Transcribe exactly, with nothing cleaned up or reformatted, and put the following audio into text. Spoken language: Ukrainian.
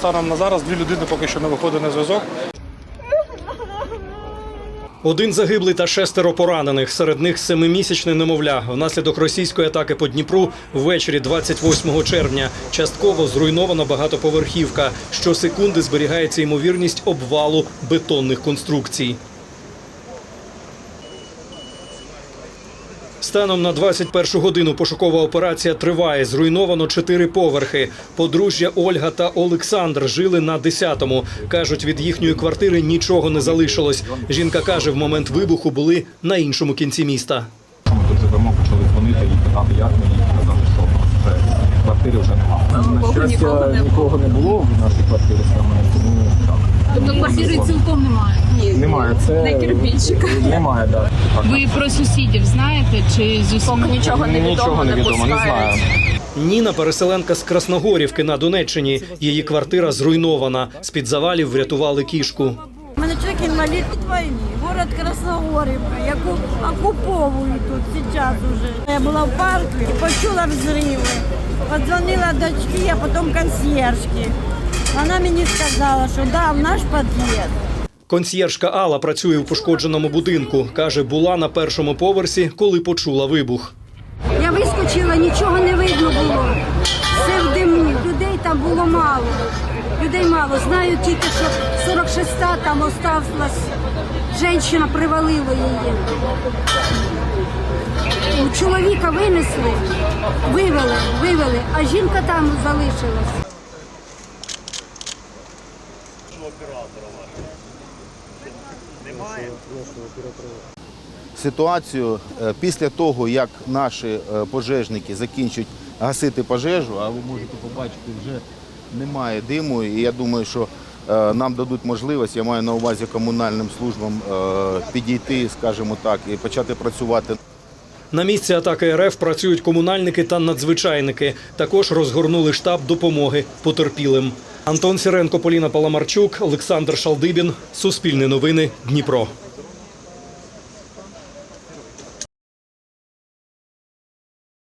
станом на зараз дві людини поки що не виходить на зв'язок. Один загиблий та шестеро поранених. Серед них семимісячне немовля. Внаслідок російської атаки по Дніпру ввечері двадцять восьмого червня частково зруйнована багатоповерхівка. Щосекунди зберігається ймовірність обвалу бетонних конструкцій. Станом на двадцять першу годину пошукова операція триває. Зруйновано чотири поверхи. Подружжя Ольга та Олександр жили на десятому. Кажуть, від їхньої квартири нічого не залишилось. Жінка каже, в момент вибуху були на іншому кінці міста. Ми тут живемо, почали дзвонити і питати, як ми, і казали, що в нас вже квартири вже немає. На щастя, нікого не було в нашій квартирі саме, тому так. Тобто квартири цілком немає? Ні, немає. Це не кирпичика. Немає, так. Ви про сусідів знаєте? Чи з усім? Поки нічого не відомо, Нічого не відомо, не знаю. Ніна – переселенка з Красногорівки на Донеччині. Її квартира зруйнована. З-під завалів врятували кішку. У мене чоловік інвалід від війни, город Красногорівка, яку окуповують тут зараз уже. Я була в парку і почула взриви. Подзвонила дочці, а потім консьєржки. Вона мені сказала, що да, в наш під'їзд. Консьєржка Алла працює у пошкодженому будинку. Каже, була на першому поверсі, коли почула вибух. Я вискочила, нічого не видно було. Все в диму. Людей там було мало. Людей мало. Знаю тільки, що сорок шоста там осталась. Жінка привалила її. Чоловіка винесли, вивели, вивели, а жінка там залишилась. Ситуацію після того, як наші пожежники закінчать гасити пожежу, а ви можете побачити, вже немає диму, і я думаю, що нам дадуть можливість, я маю на увазі комунальним службам, підійти, скажімо так, і почати працювати. На місці атаки РФ працюють комунальники та надзвичайники. Також розгорнули штаб допомоги потерпілим. Антон Сіренко, Поліна Паламарчук, Олександр Шалдибін. Суспільне новини. Дніпро.